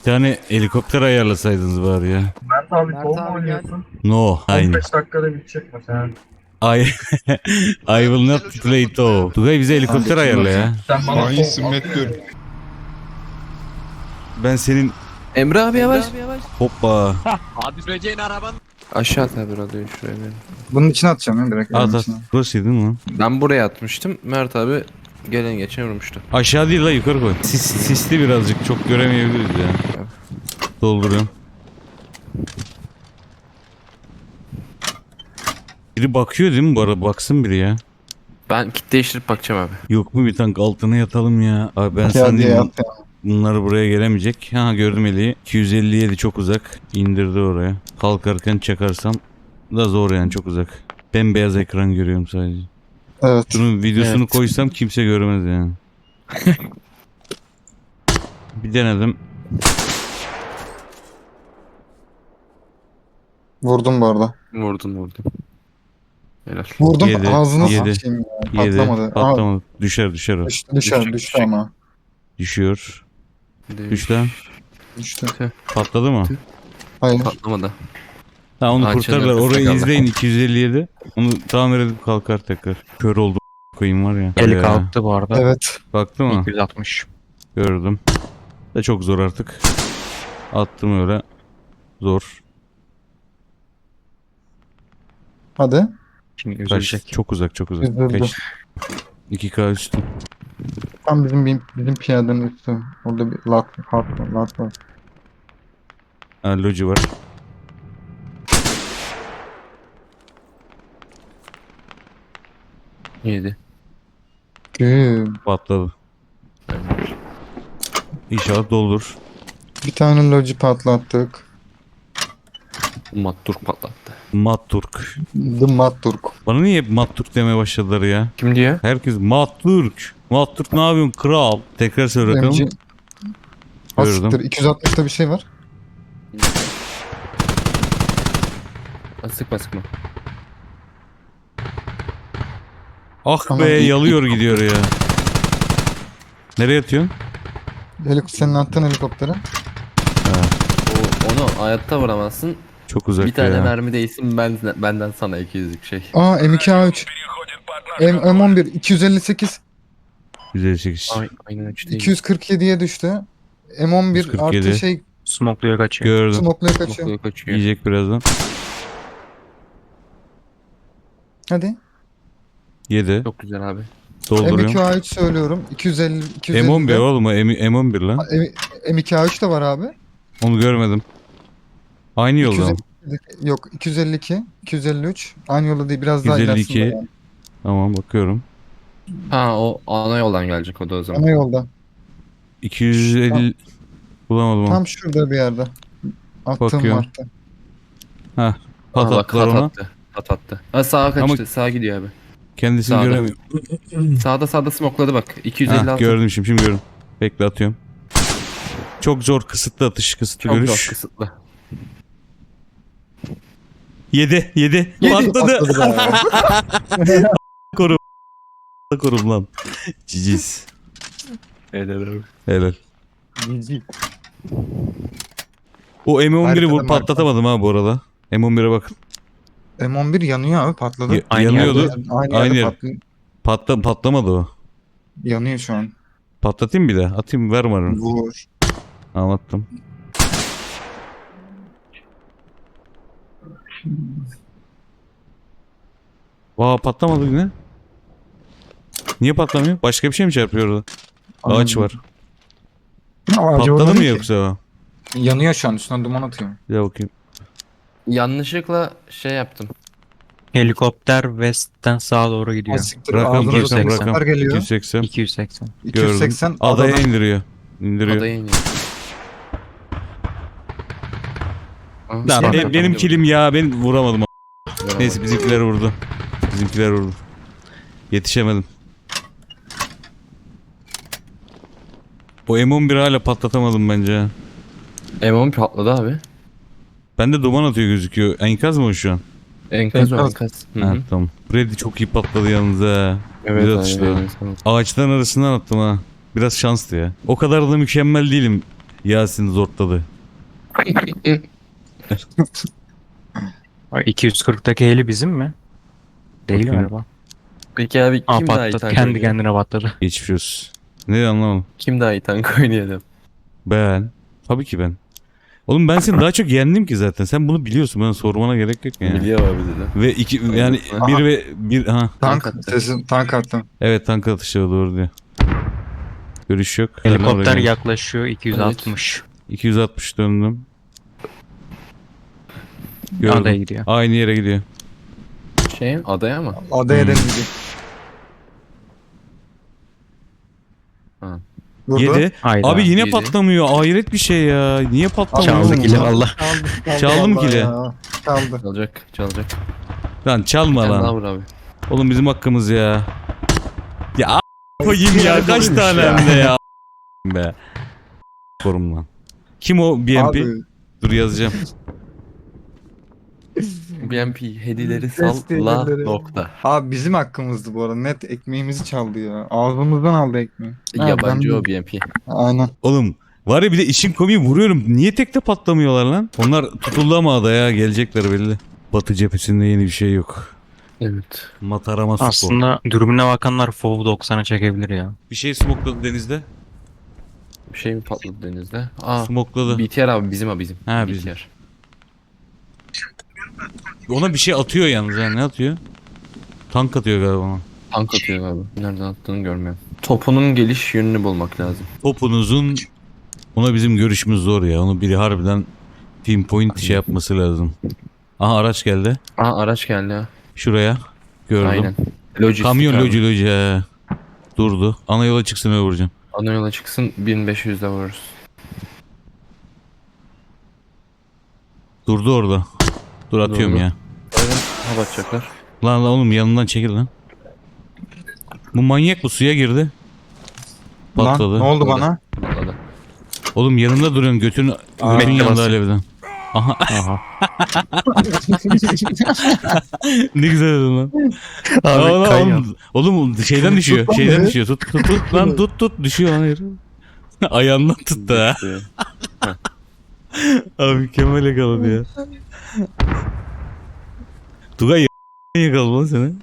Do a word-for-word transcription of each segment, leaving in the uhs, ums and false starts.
Bir tane helikopter ayarlasaydınız bari ya. Mert abi Mert kol mu abi oynuyorsun? No, aynı. on beş dakikada bitecek mesela. I, I will not play to. Tugay bize helikopter ayarla ya. Sen bana Hainsin kol Metkör. Ben senin Emre abi yavaş. hoppa. Abi süreceğin araban. Aşağı tabi radyoyu şuraya bir. Bunun içine atacağım ya direkt. At evin at. içine. Burası değil mi lan? Ben buraya atmıştım. Mert abi gelen geçen vurmuştu. Aşağı değil la yukarı koy. Sis, sisli birazcık çok göremeyebiliriz ya. Dolduruyorum. Biri bakıyor değil mi bu arada? Baksın biri ya. Ben kit değiştirip bakacağım abi. Yok mu bir tank altına yatalım ya. Abi ben Ya sana diye diyeyim, at ya. bunlar buraya gelemeyecek. Ha gördüm Eli'yi. iki yüz elli yedi çok uzak. İndirdi oraya. Kalkarken çakarsam da zor yani çok uzak. Bembeyaz ekran görüyorum sadece. Evet. Bunun videosunu Evet. koysam kimse görmez yani. Bir denedim. Vurdum bu arada. Vurdun vurdun. Helal. Vurdum Yedi, ağzını yedi, sıçayım ya. Yedi. Patlamadı. Patlamadı. Düşer düşer o. Aa, düştü, düşer, Düşecek, düştü düşecek. ama. Düşüyor. Düş. Düş lan. Düştü. Patladı mı? Hayır. Patlamadı. Ha onu Ağaçın kurtarırlar. arkasında Orayı kaldı. izleyin iki yüz elli yedi. Onu tamir edip kalkar tekrar. Kör oldu koyayım var ya. Eli Ya. kalktı bu arada. Evet. Baktı mı? iki yüz altmış. Gördüm. Da çok zor artık. Attım öyle. Zor. Hadi. Şimdi Kaç, üzülecek. çok uzak çok uzak. Üzüldü. Kaç? iki K üstü. Tam bizim bizim piyadenin üstü. Orada bir lat, hat, lat var. Ha loji var. Yedi. Güm. Patladı. İnşallah doldur. Bir tane loji patlattık. Mattur patlattı. Matturk. The Matturk. Bana niye hep Matturk demeye başladılar ya? Kim diyor? Herkes Matturk. Matturk ne yapıyorsun kral? Tekrar söyle M G. bakalım. Az Gördüm. siktir. iki yüz altmışta bir şey var. Ha, sıkma sıkma. Ah Tamam. be yalıyor gidiyor ya. Nereye atıyorsun? Helik senin attığın helikoptere. O, onu hayatta vuramazsın. Çok uzak Bir tane ya. mermi değilsin ben, benden sana iki yüzlük şey. Aa M iki A üç. M M11 iki yüz elli sekiz. yüz elli sekiz. Ay, aynen üç değil. iki yüz kırk yediye düştü. M on bir yüz kırk yedi. artı şey Smokluya kaçıyor. Gördüm. smoke'laya kaçıyor. Smoke'luya kaçıyor. Yiyecek birazdan. Hadi. Yedi. Çok güzel abi. M iki Dolduruyorum. A üç söylüyorum. iki yüz elli iki yüz elli. M on bir oğlum o M- M on bir lan. M iki A üç de var abi. Onu görmedim. Aynı yolda mı? iki yüz elli Yok iki yüz elli iki, iki yüz elli üç. Aynı yolda değil biraz daha yüz elli iki. ilerisinde yani. Tamam bakıyorum. Ha o ana yoldan gelecek o da o zaman. Ana yolda. iki yüz elli bulamadım onu. Tam şurada bir yerde. Attığım Bakıyorum. vardı. Hah. Ha, Pat bak, attılar hat ona. attı. Hat attı. Ha sağa kaçtı. Ama- Sağa gidiyor abi. Kendisini Sağda. göremiyorum. Sağda sağda smokladı bak. iki yüz elli Hah altı. gördüm şimdi, şimdi gördüm. Bekle atıyorum. Çok zor kısıtlı atış, kısıtlı Çok görüş. zor kısıtlı. Yedi, yedi. Patladı. Patladı be. Korum. Korum lan. Ciciz. Helal abi. Helal. O M on bir'i Haritada vur marka. patlatamadım ha bu arada. M on bir'e bakın. M on bir yanıyor abi patladı. Ya- Aynı yanıyordu. yerde. Aynı, Aynı yerde yer. patlıyor. Patla, patlamadı o. Yanıyor şu an. Patlatayım bir de. Atayım ver bana. Vur. Anlattım. Vaa patlamadı yine. Niye patlamıyor? Başka bir şey mi çarpıyor orada? Ağaç var. Patladı mı yoksa o? Yanıyor şu an üstüne duman atıyor. Bir daha bakayım. Yanlışlıkla şey yaptım. Helikopter west'ten sağa doğru gidiyor. Siktir, Rakam, ağzımıza rakam, helikopter rakam. geliyor. iki yüz seksen. iki yüz seksen. iki yüz seksen. Gördüm. Adaya adadan- indiriyor. İndiriyor. Adaya iniyor. Aa, Lan sağ benim, taraftan benim gidiyor. kilim ya ben vuramadım. Vuramadım. Neyse bizimkiler vurdu. Bizimkiler vurdu. Yetişemedim. O M on bir hala patlatamadım bence. M on patladı abi. Bende duman atıyor gözüküyor. Enkaz mı o şu an? Enkaz o Enkaz. enkaz. Hı Ha hı. tamam. Freddy çok iyi patladı yalnız ha. Evet Güzel abi. atıştı. evet, evet. Ağaçların arasından attım ha. Biraz şanslı ya. O kadar da mükemmel değilim. Yasin zortladı. Ay, iki yüz kırktaki heli bizim mi? Değil Bakayım. galiba. Peki abi Aa kim daha iyi patladı. tank Kendi oynuyor? kendine patladı. Geçmiş olsun. Ne anlamadım. Kim daha iyi tank oynayalım? Ben. Tabii ki ben. Oğlum ben seni daha çok yendim ki zaten. Sen bunu biliyorsun. Bana sormana gerek yok yani. Biliyor abi dedi. Ve iki yani Aha. bir ve bir ha Tank, Tank attı. sesin tank attım. evet tank atışı doğru diyor. Görüş yok. Helikopter Selam, yaklaşıyor iki yüz altmış. iki yüz altmış döndüm. Gördüm. Adaya gidiyor. Aynı yere gidiyor. Şey adaya mı? Adaya Hmm. deneyecek. Ha. Vurdu. Yedi. Hayda. Abi yine yedi. patlamıyor. Hayret bir şey ya. Niye patlamıyor? Çaldı oğlum kili bu? valla. Çaldı, çaldı, Çaldı mı vallahi kili? ya. Çaldı. Çalacak çalacak. Lan çalma Sen daha lan. vur abi. Oğlum bizim hakkımız ya. Ya a- koyayım ya. Kaç Olmuş tane ya. hem de ya. Be. Korum lan. Kim o B M P? Abi, Dur yazacağım. B M P hedileri Desteği salla hedileri. nokta. abi bizim hakkımızdı bu arada. Net ekmeğimizi çaldı ya. Ağzımızdan aldı ekmeği. Ha, Yabancı ben- o B M P. Aynen. Oğlum var ya bir de işin komiği vuruyorum. Niye tekte patlamıyorlar lan? Onlar tutuldu ama adaya gelecekler belli. Batı cephesinde yeni bir şey yok. Evet. Matarama spor. Aslında dürbüne bakanlar FOV doksan'a çekebilir ya. Bir şey smokladı denizde. Bir şey mi patladı denizde? Aa. Smokladı. B T R abi bizim o bizim. Ha, B T R. bizim. Ona bir şey atıyor yalnız ha. Ne atıyor? Tank atıyor galiba ona. Tank atıyor abi. Nereden attığını görmüyorum. Topunun geliş yönünü bulmak lazım. Topunuzun ona bizim görüşümüz zor ya. Onu biri harbiden pinpoint şey yapması lazım. Aha araç geldi. Aa araç geldi ha. Şuraya. Gördüm. Aynen. Lojistik Kamyon abi. loji loji he. Durdu. Ana yola çıksın öyle vuracağım. Ana yola çıksın bin beş yüzde vururuz. Durdu orada. Dur atıyorum Durdu. ya. Evet. Hava atacaklar. Lan lan oğlum yanından çekil lan. Bu manyak bu suya girdi. Lan Patladı. ne oldu Orada. bana? Patladı. Oğlum yanında duruyorsun götün, Aa, götün yanında basıyor. alevden. Aha Aha. ne güzel dedin lan. Abi Aa, lan kayıyor. oğlum, oğlum şeyden düşüyor. Tut lan Şeyden beni. düşüyor. Tut tut tut lan tut tut düşüyor lan herif. Ayağından tuttu ha. İşte. Abi mükemmel yakaladı ya. Tugay y- yakaladı lan seni.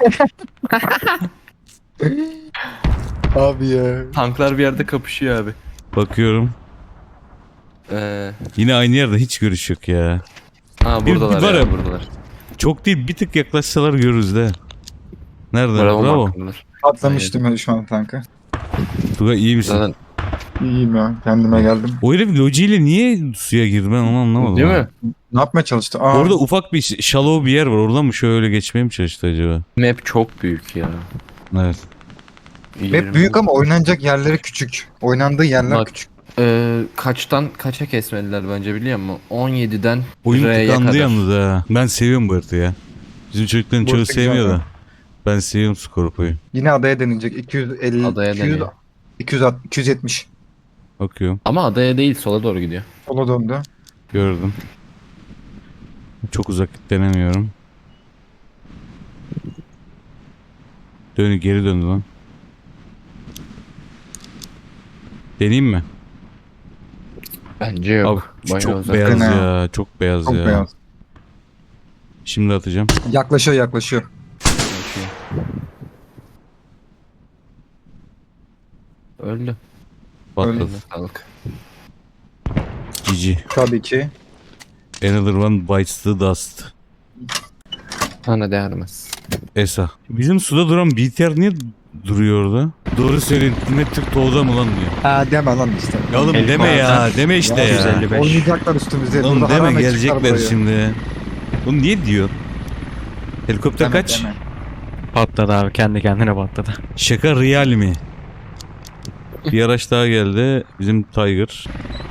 Abi ya. Tanklar bir yerde kapışıyor abi. Bakıyorum. Ee, Yine aynı yerde hiç görüş yok ya. aa Bir- buradalar bir var ya, ya- buradalar. Çok değil bir tık yaklaşsalar görürüz de. Nerede? Bravo. Bravo. Bravo. Atlamıştım ben şu an tanka. Tugay iyi misin? Zaten İyiyim ya. Kendime geldim. O herif lojiyle niye suya girdi ben onu anlamadım. değil ha. mi? Ne yapmaya çalıştı? Aa, Orada ufak bir ş- shallow bir yer var. Oradan mı şöyle geçmeye mi çalıştı acaba? Map çok büyük ya. Evet. hep büyük ama oynanacak yerleri küçük. Oynandığı yerler Bak. küçük. Ee, kaçtan kaça kesmediler bence biliyor musun? on yediden Oyun R'ye tıkandı kadar. yalnız ha. Ben seviyorum bu haritayı ya. Bizim çocukların Bu çoğu harita sevmiyor güzel da. Ben seviyorum Scorpio'yu. Yine adaya denilecek. iki yüz elli, Adaya iki yüz, deniyor. iki yüz altmış, iki yüz yetmiş. Bakıyorum. Ama adaya değil sola doğru gidiyor. Sola döndü. Gördüm. Çok uzak denemiyorum. Dönü geri döndü lan. Deneyeyim mi? Bence yok. Abi Bayağı çok uzak. beyaz Ne? ya. Çok beyaz Çok ya. beyaz. Şimdi atacağım. Yaklaşıyor yaklaşıyor. Öldü. Patladı. Eline sağlık. Cici. Tabii ki. Another one bites the dust. Sana değermez. Esa. Bizim suda duran B T R niye duruyor orada? Doğru söyleyin. Ne Türk doğuda mı lan diyor. Ha deme lan işte. Ya oğlum El deme ya. koyarsan Deme işte Ya, ya. yüz elli beş. Oynayacaklar üstümüze. Oğlum Burada deme haramet çıkar gelecekler buraya. şimdi. Oğlum niye diyor? Helikopter Deme, kaç? deme. Patladı abi. Kendi kendine patladı. Şaka real mi? Bir araç daha geldi. Bizim Tiger.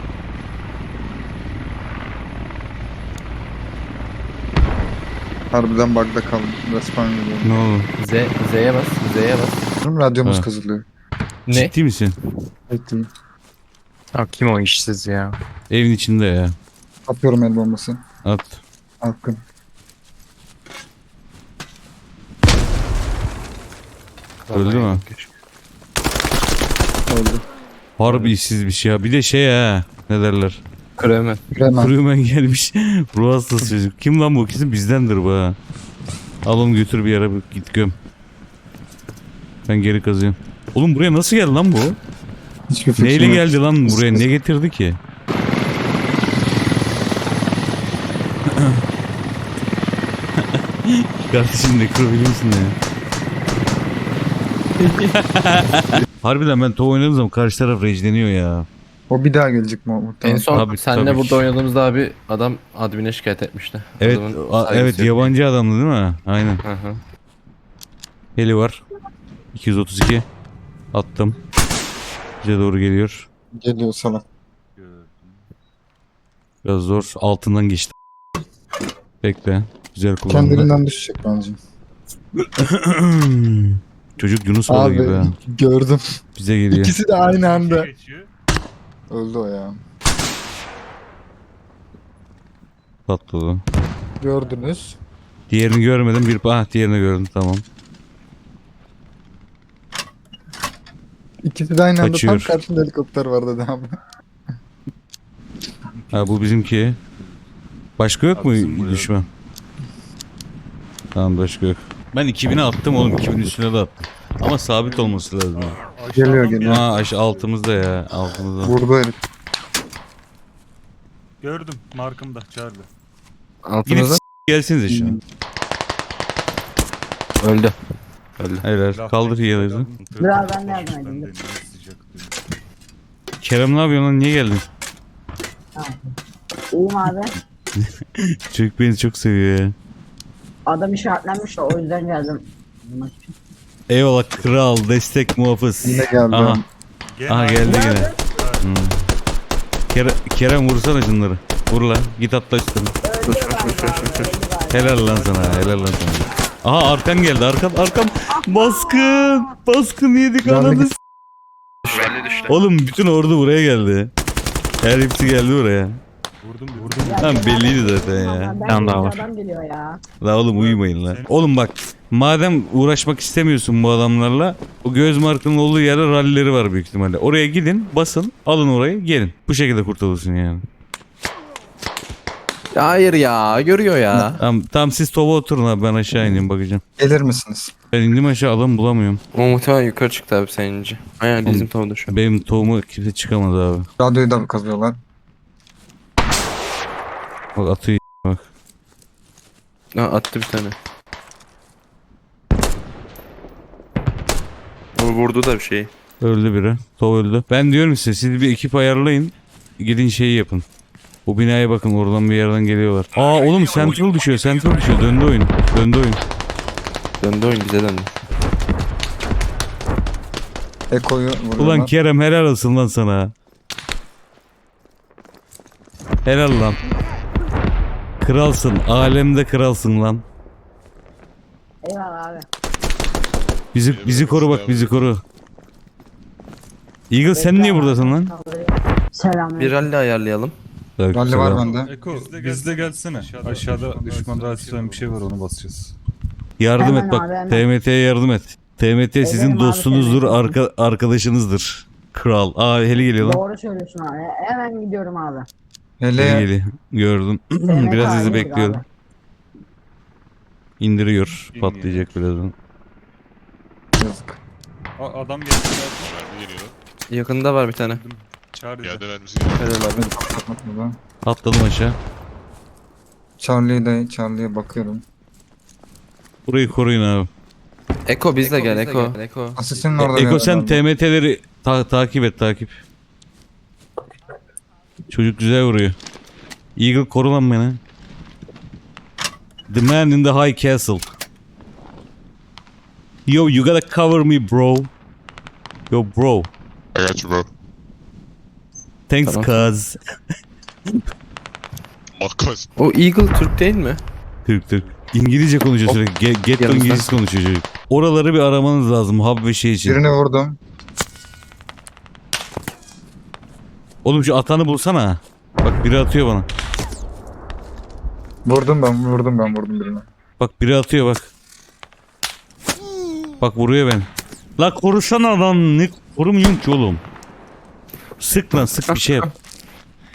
Harbiden bug'da kaldım. Respawn geliyor. Ne oldu? Z, Z'ye bas. Z'ye bas. Radyomuz Ha. kazılıyor. Ne? Ciddi misin? Bekleyin. Ya kim o işsiz ya? Evin içinde ya. Atıyorum el bombası. At. Hakkın. Öldü mü? Öldü. Harbi işsiz bir şey ya. Bir de şey ha. ne derler. Kremen. Hemen. Krümen gelmiş. Ruh hastası çocuk. Kim lan bu? Kesin bizdendir bu ha. Al onu götür bir yere git göm. Ben geri kazıyorum. Oğlum buraya nasıl geldi lan bu? Hiçbir fikrim Neyle yok. geldi lan buraya? Ne getirdi ki? Kardeşim nekro biliyor musun ya? Harbiden ben top oynadığım zaman karşı taraf rage'leniyor ya. O bir daha gelecek mi? En Muhtemelen. son Tabii, senle tabii burada ki. oynadığımızda abi adam admin'e şikayet etmişti. Evet, Adamın a- saygısı evet yok. yabancı adamdı değil mi? Aynen. Hı hı. Heli var. iki yüz otuz iki. Attım. Bize doğru geliyor. Geliyor sana. Biraz zor. Altından geçti. Bekle. Güzel kullandı. Kendiliğinden düşecek bence. Çocuk Yunus balığı gibi ha. Abi gördüm. Bize geliyor. İkisi de aynı anda. Geçiyor. Öldü o ya. Patladı. Gördünüz. Diğerini görmedim. Bir ah diğerini gördüm. Tamam. İkisi de aynı anda Kaçıyor. tam karşında helikopter vardı devamlı. Ha bu bizimki. Başka yok mu Abi bizim buraya- düşman? Tamam başka yok. Ben iki bine attım oğlum. iki bin üstüne de attım. Ama sabit olması lazım. ya. Geliyor, Aşağıdan geliyor. Aa aş altımızda ya. Altımızda. Vurdu herif. Gördüm markımda çağırdı. Yine Altınıza s- gelsinize şu an. öldü. Öldü. Helal. Kaldır yiyelim. Biraz ben de yardım edeyim. Ben de sıcak diyor. Kerem ne yapıyorsun lan? Niye geldin? İyiyim abi. Çocuk beni çok seviyor ya. Adam işaretlenmiş de o yüzden geldim. Bulmak için. Eyvallah kral. Destek muhafız. Yine geldi. Aha. Gene Aha aynı- geldi yine. Nerede? Hmm. Kerem, Kerem vursana şunları. Vur lan. Git atla üstüne. Öldü galiba abi, öldü galiba. Helal lan sana. Helal lan sana. Aha arkan geldi. Arkam arkam. Baskın. Baskın yedik Ben de ananı. git- s- Oğlum bütün ordu buraya geldi. Her hepsi geldi buraya. Vurdum vurdum. Ya Tamam, ben- belliydi zaten ya. Ben- Tamam, daha var. Adam geliyor ya. La oğlum uyumayın lan. Oğlum bak madem uğraşmak istemiyorsun bu adamlarla o göz markının olduğu yerde rallileri var büyük ihtimalle. Oraya gidin basın alın orayı gelin. Bu şekilde kurtulursun yani. Hayır ya görüyor ya. Tamam, tamam siz tova oturun abi ben aşağı ineyim bakacağım. Gelir misiniz? Ben indim aşağı adam bulamıyorum. O muhtemelen yukarı çıktı abi seninci. Aynen bizim tavada şu an. Benim tohumu kimse çıkamaz abi. Radyoyu da kazıyorlar. Bak atıyor bak. Ha, attı bir tane. O vurdu da bir şey. Öldü biri. Tov öldü. Ben diyorum size siz bir ekip ayarlayın. Gidin şeyi yapın. Bu binaya bakın oradan bir yerden geliyorlar. Aa oğlum Central düşüyor Central düşüyor. Döndü oyun. Döndü oyun. Döndü oyun bize döndü. Eko'yu vuruyorlar. Ulan Kerem helal olsun lan sana. Helal lan. Kralsın. Alemde kralsın lan. Eyvallah abi. Bizi bizi koru bak bizi koru. Eagle sen niye buradasın lan? Selam. Bir rally ayarlayalım. Rally var bende. Eko bizde gelsene. Aşağıda düşman rahatsız bir şey var onu basacağız. Yardım Hemen et bak. abi, hemen. T M T'ye yardım et. T M T sizin Ederim abi, dostunuzdur, T M T. arka, arkadaşınızdır. Kral. Aa heli geliyor lan. Doğru söylüyorsun abi. Hemen gidiyorum abi. Heli Hele geliyor. Gördüm. T M T Biraz sizi abi, bekliyorum. abi. İndiriyor. İniyor. Patlayacak birazdan. yazık. A- adam geldi. Mermi geliyor. Yakında var bir tane. Çağırdı. Yerde mermisi geliyor. Helal abi. Beni patlatmak burada. Atladım aşağı. Charlie'ye de Charlie'ye bakıyorum. Burayı koruyun abi. Eko bizle gel Eko. Eko. Asistin E- orada. bir Eko yerde sen galiba. T M T'leri ta- takip et takip. Çocuk güzel vuruyor. Eagle koru lan beni. The man in the high castle. Yo you gotta cover me bro. Yo bro. I got you bro. Thanks Tamam. cuz. Makas. O Eagle Türk değil mi? Türk Türk. İngilizce konuşuyor sürekli. Get, get Yanımızda. İngilizce konuşuyor çocuk. Oraları bir aramanız lazım hub ve şey için. Birini vurdum. Oğlum şu atanı bulsana. Bak biri atıyor bana. Vurdum ben vurdum ben vurdum birini. Bak biri atıyor bak. Bak vuruyor beni. La korusana lan. Ne korumuyorum ki oğlum. Sık lan sık bir şey yap.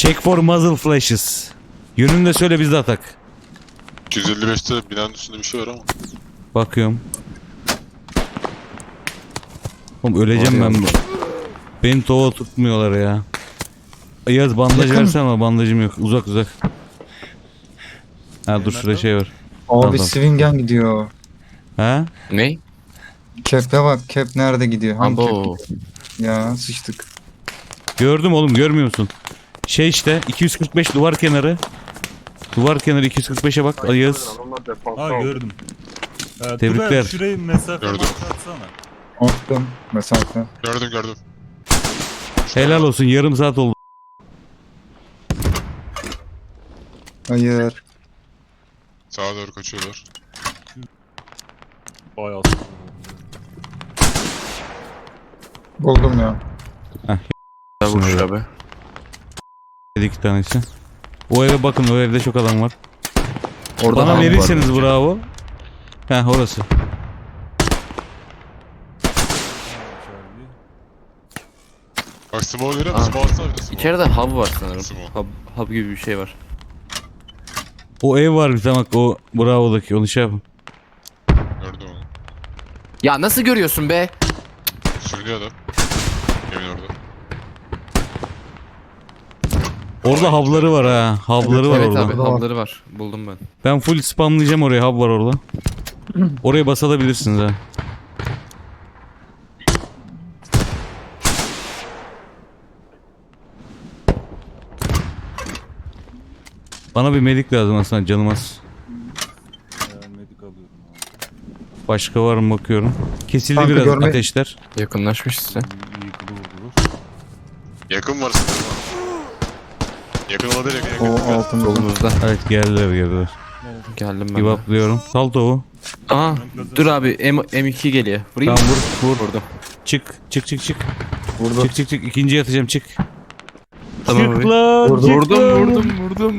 Check for muzzle flashes. Yönünü de söyle biz de atak. iki yüz elli beşte binanın üstünde bir şey var ama. Bakıyorum. Oğlum öleceğim Var ben. ya. Beni tova tutmuyorlar ya. Yaz bandaj Yakın. versene ama bandajım yok. Uzak uzak. Ha dur şurada şey var. Abi Tamam. Swingen gidiyor. Ha? Ne? Cap'e bak. Cap nerede gidiyor? Hangi Abo. cap? Ya sıçtık. Gördüm oğlum, görmüyor musun? Şey işte iki yüz kırk beş duvar kenarı. Duvar kenarı iki yüz kırk beşe bak Ayaz. Ha gördüm. Ee, Tebrikler. Tugay, şurayı mesafe Gördüm. atsana. Attım. Mesafe. Gördüm gördüm. Helal olsun, yarım saat oldu. Hayır. Sağa doğru kaçıyorlar. Bayağı Buldum ya. Ya vuruş abi. İki tanesi. O eve bakın, o evde çok adam var. Orada Bana ham var. verirseniz bravo. Heh orası. Bak smoke veriyor Aa. musun? Smoke atsana bir de smoke. İçeride hub var sanırım. Smoke. Hub, hub gibi bir şey var. O ev var bir tane bak, o bravo'daki, onu şey yapın. Gördüm onu. Ya nasıl görüyorsun be? Sürünüyor adam. Yemin orada. Orada havları var ha. Havları var Evet orada. abi Orada var. hub'ları var. Buldum ben. Ben full spamlayacağım oraya, hub var orada. Oraya basabilirsiniz ha. Bana bir medik lazım aslında, canım az. e, medik alıyorum abi. Başka var mı bakıyorum. Kesildi Kanka biraz görme- ateşler. Yakınlaşmış size. İyi, iyi kılı vurdular. Yakın var sanırım ama. Yakın olabilir yakın O yakın. altında. Solumuzda. Evet geldiler geldiler. Geldim ben. de. Givaplıyorum. Sal tavuğu. Aa dur abi M M2 geliyor. Vurayım Tamam mı? vur vur. Vurdum. Çık çık çık çık. Vurdu. Çık çık çık. İkinciye atacağım, çık. Tamam Çık abi. lan, Vurdum, çık Vurdum lan. vurdum vurdum.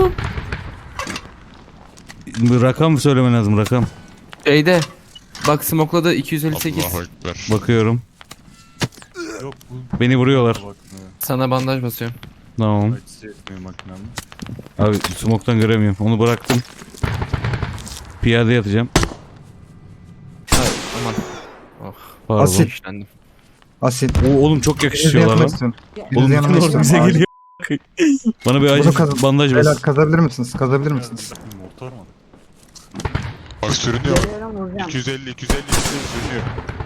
Rakam söylemen lazım, rakam. Şeyde. Bak smokladı iki yüz elli sekiz. Allahu Ekber. Bakıyorum. Yok bu Beni vuruyorlar. bakmıyor. Sana bandaj basıyorum. Tamam. Açısı yetmiyor makinem. Abi smoke'tan göremiyorum. Onu bıraktım. Piyade yatacağım. Hayır aman. Oh. Pardon. Asit. İşlendim. Asit. Oo, oğlum çok Biriniz yakışıyorlar yanıma lan. istiyorum. Oğlum Biriniz bütün yanıma ordu istiyorum. bize Acil. geliyor. Bana bir acil Bunu kazın. bandaj Beyler bas. kazabilir misiniz? Kazabilir misiniz? Mortar mı? Bak sürünüyor. Geliyorum vuracağım. iki yüz elli iki yüz elli iki yüz elli sürünüyor.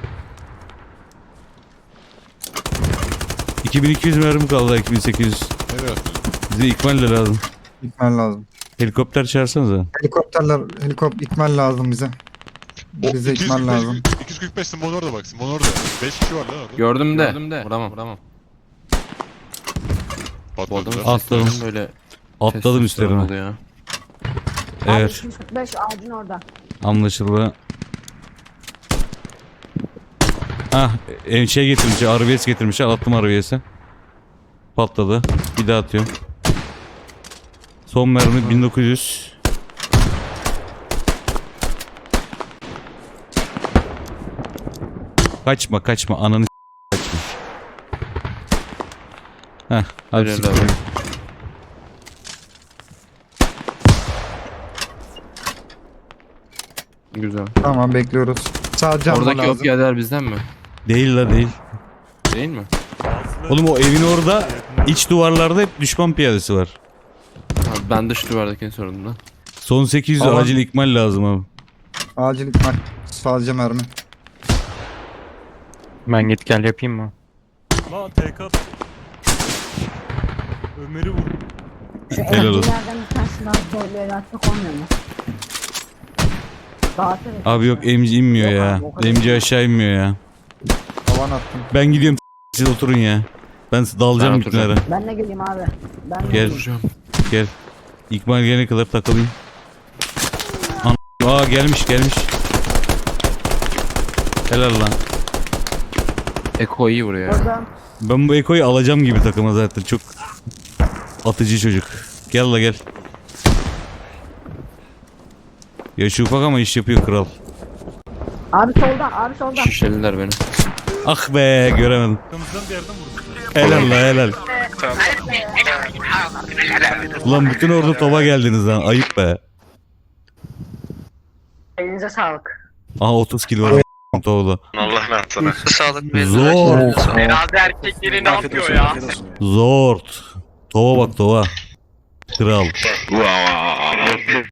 iki bin iki yüz mermi kaldı, iki bin sekiz yüz. Nereye atıyorsun? Bize ikmal de lazım. İkmal lazım. Helikopter çağırsanıza. Helikopterler, helikopter ikmal lazım bize. O Bize ikmal lazım. iki yüz kırk beş Simon orada bak. Simon orada. beş kişi var lan orada. Gördüm de. Gördüm de. Vuramam. Vuramam. Bu adamın Patladılar. Atladım. seslerinin böyle Atladım üstlerine. oluyor. Abi Evet, iki yüz kırk beş ağacın orada. anlaşıldı. Ah, e, şey getirmiş, R V S getirmiş. Attım R V S'e. Patladı. Bir daha atıyorum. Son mermi bin dokuz yüz. Kaçma kaçma, ananı s- kaçma. Heh, hadi Helal siktir. abi. Güzel. Tamam bekliyoruz. Sadece alma Oradaki o lazım. piyadeler bizden mi? Değil la değil. Değil mi? Bazıları Oğlum o evin orada iç duvarlarda hep düşman piyadesi var. Abi ben dış duvardakini sordum da. Son sekiz yüz Tamam. acil ikmal lazım abi. Acil ikmal. Sadece mermi. Ben git gel yapayım mı? Lan T K. Ömer'i vur. Şu Helal olsun. evcilerden bir tanesi daha zorlu el atmak olmuyor mu? Dağıtır et. Abi yok, emci inmiyor Yok ya. abi, o kadar. Emci aşağı inmiyor ya. Havan attım. Ben gidiyorum, siz oturun ya. Ben dalacağım Ben bütünlere. oturacağım. Ben de geleyim abi. Ben de Gel. geleyim. Vuracağım. Gel. İkmal gelene kadar takılayım. An Aa gelmiş gelmiş. Helal lan. Eko iyi vuruyor. Orada Ben bu Eko'yu alacağım gibi takıma zaten. Çok atıcı çocuk. Gel la gel. Yaşı ufak ama iş yapıyor kral. abi soldan abi soldan. Şişeliler beni. Ah be, göremedim. Arkamızdan bir yerden vurdular. Helal la helal. Ulan bütün ordu tova geldiniz lan. Ayıp be. Elinize sağlık. Aha otuz kilo var. Tovla. Allah ne yapsana. Sağlık be. Zor. Herhalde erkekleri ne yapıyor ya? Zor. Tova bak tova. Kral. Wow.